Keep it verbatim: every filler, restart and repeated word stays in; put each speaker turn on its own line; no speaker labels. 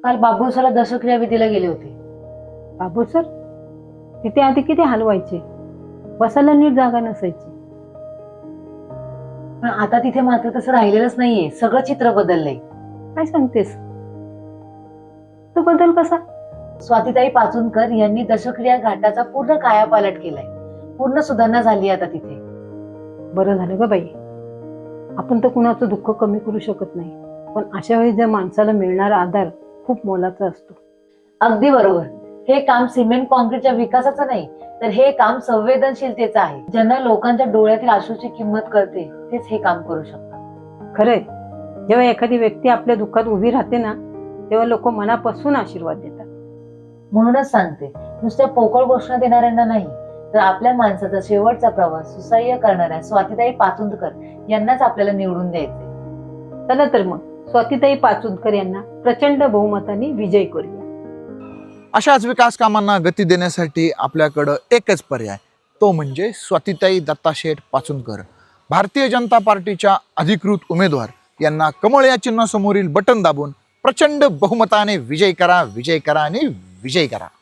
काल बाबूसरला दशक्रिया विधीला गेले होते.
बाबू सर तिथे आधी किती हलवायचे, बसायला नीट जागा नसायची.
पण आता तिथे मात्र तसं राहिलेलंच नाहीये. सगळं चित्र बदललंय.
काय सांगतेस तो बदल कसा?
स्वातीताई पाचुनकर यांनी दशक्रिया घाटाचा पूर्ण कायापालट केलाय. पूर्ण सुधारणा झाली आता तिथे.
बरं झालं ग बाई, आपण तर कुणाचं दुःख कमी करू शकत नाही, पण अशा वेळी ज्या माणसाला मिळणारा आधार खूप मोलाचा असतो.
अगदी बरोबर. हे काम सिमेंट कॉन्क्रीटच्या विकासाचं नाही, तर हे काम संवेदनशीलतेचं आहे. ज्यांना लोकांच्या डोळ्यातील आशूची किंमत कळते तेच हे काम करू शकतात.
खरंय, जेव्हा एखादी व्यक्ती आपल्या दुःखात उभी राहते ना, तेव्हा लोक मनापासून आशीर्वाद देतात.
म्हणूनच सांगते, नुसत्या पोकळ घोषणा देणाऱ्यांना नाही, तर आपल्या माणसाचा शेवटचा प्रवास सुसह्य करणाऱ्या स्वातीताई पाचुंदकर यांनाच आपल्याला निवडून द्यायचे.
चला तर मग स्वातीताई पाचुंदकर यांना प्रचंड बहुमताने विजय करूया.
अशाच विकास कामांना गती देण्यासाठी आपल्याकडं एकच पर्याय, तो म्हणजे स्वातीताई दत्ताशेठ पाचुंदकर. भारतीय जनता पार्टीच्या अधिकृत उमेदवार यांना कमळ या चिन्हासमोरील बटन दाबून प्रचंड बहुमताने विजय करा, विजय करा आणि विजय करा.